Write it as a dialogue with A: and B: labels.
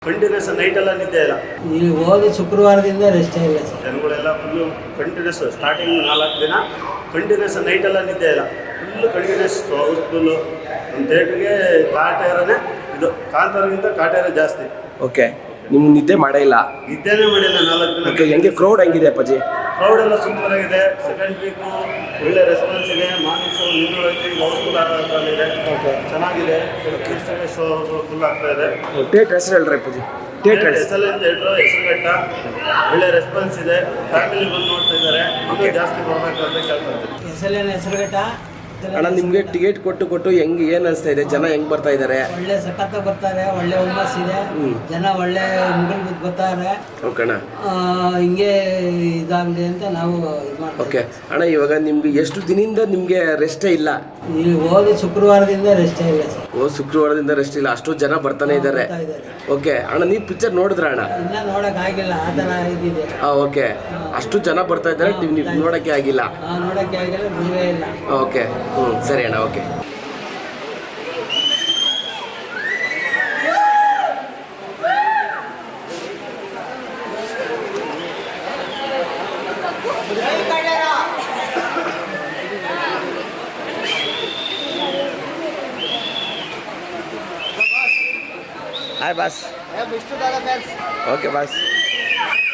A: Continuous night ಎಲ್ಲ ನಿದ್ದೆ ಇಲ್ಲ.
B: ಈ ಹೋದ ಶುಕ್ರವಾರದಿಂದ ರೆಸ್ಟ್ ಇಲ್ಲ ಸರ್.
A: ಜನಗಳೆಲ್ಲ ಫುಲ್ಲು ಕಂಟಿನ್ಯೂಸ್ ಸ್ಟಾರ್ಟಿಂಗ್ 4 ದಿನ ಕಂಟಿನ್ಯೂಸ್ ನೈಟ್ ಎಲ್ಲ ನಿದ್ದೆ ಇಲ್ಲ. Full continues housefull. ನಮ್ಮ ಥಿಯೇಟ್ರಿಗೆ ಕಾಟೇರನೇ ಇದು, ಕಾಂತಾರಗಿಂತ ಕಾಟೇರ ಜಾಸ್ತಿ.
C: ಓಕೆ, ನಿಮ್ಗೆ ನಿದ್ದೆ ಮಾಡೇ ಇಲ್ಲ?
A: ನಿದ್ದೆನೇ ಮಾಡಿಲ್ಲ 4 ದಿನ.
C: ಓಕೆ, ಹೆಂಗೆ ಕ್ರೌಡ್ ಹೆಂಗಿದೆ ಅಪ್ಪಾಜಿ?
A: ಕ್ರೌಡ್ ಎಲ್ಲ ಸೂಪರ್ ಆಗಿದೆ. ಸೆಕೆಂಡ್ ವೀಕು ಒಳ್ಳೆ ರೆಸ್ಪಾನ್ಸ್ ಇದೆ. ಮಾರ್ನಿಂಗ್ ಶೋ ನಿನ್ನೂರಲ್ಲಿ ಹೌಸ್ಫುಲ್ ಆಗೋದ್ರಲ್ಲಿದೆ. ಚೆನ್ನಾಗಿದೆ. ಶೋ ಫುಲ್ ಆಗ್ತಾ ಇದೆ.
C: ಥಿಯೇಟ್ರ್ ಹೆಸರು ಹೇಳ್ರಿ ಅಪ್ಪಾಜಿ. Theatre
A: SLN theatre Hesaraghatta. ಒಳ್ಳೆ ರೆಸ್ಪಾನ್ಸ್ ಇದೆ. ಫ್ಯಾಮಿಲಿ ಬಂದು ನೋಡ್ತಾ ಇದ್ದಾರೆ. ಇನ್ನೂ ಜಾಸ್ತಿ ಬರಬೇಕು ಅಂತ ಕೇಳ್ಕೊಳ್ತೀನಿ.
B: SLN ಹೆಸರುಘಟ್ಟ.
C: ಅಣ್ಣ, ನಿಮಗೆ ಟಿಕೆಟ್ ಕೊಟ್ಟು ಹೆಂಗೆ ಏನು ಅನಿಸ್ತಾ ಇದೆ? ಜನ ಹೆಂಗೆ ಬರ್ತಾ ಇದ್ದಾರೆ?
B: ಒಳ್ಳೆ ಸಖತ್ ಬರ್ತಾರೆ. ಒಳ್ಳೆ ಹುಮ್ಮಸ್ ಇದೆ. ಜನ ಒಳ್ಳೆ ಮುಗಿಲ್ ಬಿದ್ದು ಬರ್ತಾರೆ.
C: ಓಕೆ ಅಣ್ಣ,
B: ಹಿಂಗೆ ಇದಾಗಲಿ ಅಂತ ನಾವು ಇದು ಮಾಡ್ತೀವಿ.
C: ಓಕೆ ಅಣ್ಣ, ಇವಾಗ ನಿಮ್ಗೆ ಎಷ್ಟು ದಿನದಿಂದ ನಿಮಗೆ ರೆಸ್ಟೇ ಇಲ್ಲ?
B: ಈ ಹೋದ ಶುಕ್ರವಾರದಿಂದ ರೆಸ್ಟ್ ಇಲ್ಲ ಸರ್.
C: ಶುಕ್ರವಾರದಿಂದ ರೆಸ್ಟ್ ಇಲ್ಲ, ಅಷ್ಟು ಜನ ಬರ್ತಾನೆ ಇದ್ದಾರೆ. ಓಕೆ ಅಣ್ಣ, ನೀವು ಪಿಕ್ಚರ್ ನೋಡಿದ್ರ ಅಣ್ಣ?
B: ಇನ್ನ ನೋಡಕ್ ಆಗಿಲ್ಲ, ಆ ಥರ ಇದಿದೆ.
C: ಓಕೆ, ಅಷ್ಟು ಜನ ಬರ್ತಾ ಇದ್ದಾರೆ, ನೀವು ನೋಡೋಕ್ಕೆ ಆಗಿಲ್ಲ?
B: ನೋಡಕ್ಕೆ ಆಗಿಲ್ಲ, ನೀವೇ ಇಲ್ಲ.
C: ಓಕೆ, ಸರಿ ಅಣ್ಣ. Okay, hi boss.
B: Vishnu Dada fans.
C: Okay boss.